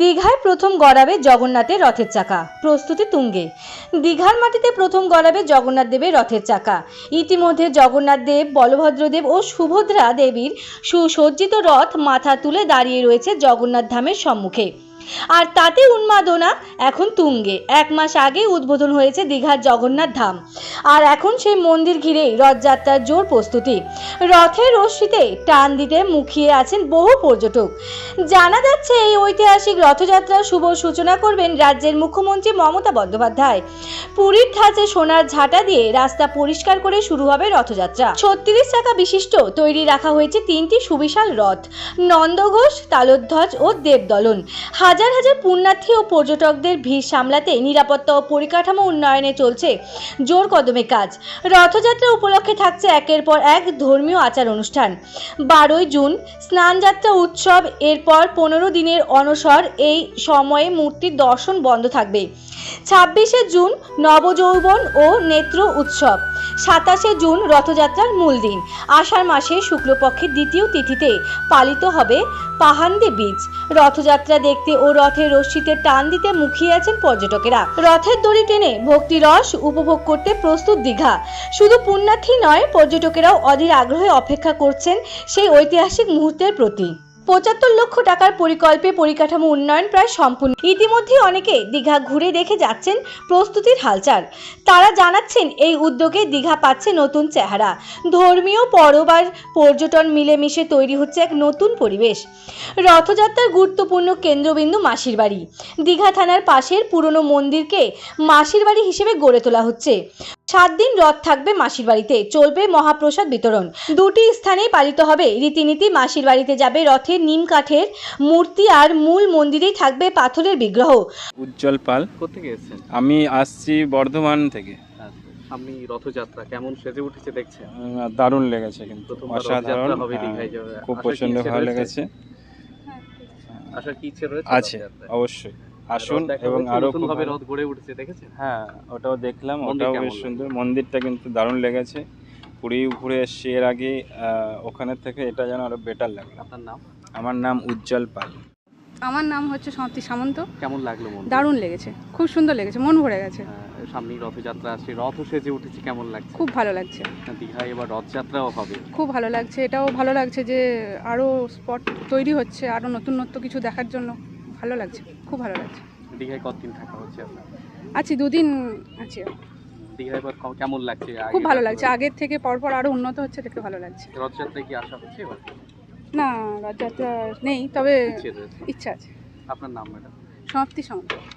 দীঘায় প্রথম গড়াবে জগন্নাথের রথের চাকা, প্রস্তুতি তুঙ্গে। দীঘার মাটিতে প্রথম গড়াবে জগন্নাথ দেবের রথের চাকা। ইতিমধ্যে জগন্নাথ দেব, বলভদ্র দেব ও সুভদ্রা দেবীর সুসজ্জিত রথ মাথা তুলে দাঁড়িয়ে রয়েছে জগন্নাথ ধামের সম্মুখে। আর তাতে উন্মাদনা এখন তুঙ্গে। 1 মাস আগে উদ্বোধন হয়েছে দীঘার জগন্নাথ ধাম, আর এখন সেই মন্দির ঘিরেই রথযাত্রার জোর প্রস্তুতি। রথের রশ্মিতে টান দিতে মুখিয়ে আছেন বহু পর্যটক। জানা যাচ্ছে এই ঐতিহাসিক রথযাত্রার শুভ সূচনা করবেন রাজ্যের মুখ্যমন্ত্রী মমতা বন্দ্যোপাধ্যায়। পুরীর ধাঁচে সোনার ঝাঁটা দিয়ে রাস্তা পরিষ্কার করে শুরু হবে রথযাত্রা। 36 চাকা বিশিষ্ট তৈরি রাখা হয়েছে 3টি সুবিশাল রথ, নন্দঘোষ, তালধ্বজ ও দেবদলন। হাজার হাজার পুণ্যার্থী ও পর্যটকদের ভিড় সামলাতে নিরাপত্তা ও পরিকাঠামো উন্নয়নে চলছে জোর কদমে কাজ। রথযাত্রা উপলক্ষে থাকছে একের পর এক ধর্মীয় আচার অনুষ্ঠান। 12ই জুন স্নানযাত্রা উৎসব, এরপর 15 দিনের অনসর। এই সময়ে মূর্তির দর্শন বন্ধ থাকবে। 26শে জুন নবযৌবন ও নেত্র উৎসব। 27শে জুন রথযাত্রার মূল দিন। আষাঢ় মাসে শুক্লপক্ষের দ্বিতীয় তিথিতে পালিত হবে পাহান্দি বীজ। রথযাত্রা দেখতে ও রথের রশ্মিতে টান দিতে মুখিয়ে আছেন পর্যটকেরা। রথের দড়ি টেনে ভক্তি রস উপভোগ করতে প্রস্তুত দীঘা। শুধু পুণ্যার্থী নয়, পর্যটকেরাও অধীর আগ্রহে অপেক্ষা করছেন সেই ঐতিহাসিক মুহূর্তের প্রতি। 75 লক্ষ টাকার পরিকল্পে পরিকাঠামো উন্নয়ন প্রায় সম্পূর্ণ। ইতিমধ্যে অনেকে দীঘা ঘুরে দেখে যাচ্ছেন প্রস্তুতির হালচাল। তারা জানাচ্ছেন এই উদ্যোগে দীঘা পাচ্ছে নতুন চেহারা। ধর্মীয় পরব আর পর্যটন মিলেমিশে তৈরি হচ্ছে এক নতুন পরিবেশ। রথযাত্রার গুরুত্বপূর্ণ কেন্দ্রবিন্দু মাসির বাড়ি। দীঘা থানার পাশের পুরনো মন্দিরকে মাসির বাড়ি হিসেবে গড়ে তোলা হচ্ছে। 7 দিন রথ থাকবে মাসির বাড়িতে, চলবে মহাপ্রসাদ বিতরণ। 2টি স্থানেই পালিত হবে রীতিনীতি। মাসির বাড়িতে যাবে রথের নিম কাঠের মূর্তি, আর মূল মন্দিরেই থাকবে পাথরের বিগ্রহ। উজ্জ্বল পাল। কোথেকে এসেছেন? আমি আসছি বর্ধমান থেকে। আপনি রথযাত্রা কেমন সেজে উঠেছে দেখছেন? দারুণ লেগেছে, কিন্তু প্রথমবার অসাধারণ। রথযাত্রা হবে দীঘায় যাবে। খুব আসার কি প্রচন্ড ইচ্ছে ভালো রয়েছে? লেগেছে। আসার কি ইচ্ছে রয়েছে? আছে, রথযাত্রায়? অবশ্যই আসুন। রথ দেখা এবং হয়েছে, আরো নতুন খুব ভাবে ভালো- রথ গড়ে উঠেছে দেখেছেন? হ্যাঁ, ওটাও দেখলাম, মন্দির ওটাও কেমন বেশ লাগলো? সুন্দর। মন্দিরটা কিন্তু দারুণ লেগেছে। পুরী ঘুরে এসছি এর আগে, ওখানের থেকে এটা যেন আরো বেটার লাগলো। আপনার নাম? আমার নাম উজ্জ্বল পাল। আমার নাম হচ্ছে সমাপ্তি সামন্ত। কেমন লাগলো মন? দারুণ লেগেছে, খুব সুন্দর লেগেছে, মন ভরে গেছে। সামনেই রথযাত্রা আসছে, রথ সেজে উঠেছে, কেমন লাগছে? খুব ভালো লাগছে, দীঘায় এবার রথযাত্রাও হবে। খুব ভালো লাগছে। এটাও ভালো লাগছে যে আরও স্পট তৈরি হচ্ছে, আরও নতুনত্ব কিছু দেখার জন্য ভালো লাগছে, খুব ভালো লাগছে। দীঘায় কতদিন থাকা হচ্ছে আপনার? আছি, 2 দিন আছি। দীঘায় এবার কেমন লাগছে? খুব ভালো লাগছে, আগের থেকে পরপর আরও উন্নত হচ্ছে, দেখতে ভালো লাগছে। রথযাত্রায় কি আসা হচ্ছে এবার? না, রথযাত্রা নেই, তবে ইচ্ছে রয়েছে। ইচ্ছা আছে। আপনার নাম ম্যাডাম? সমাপ্তি সামন্ত।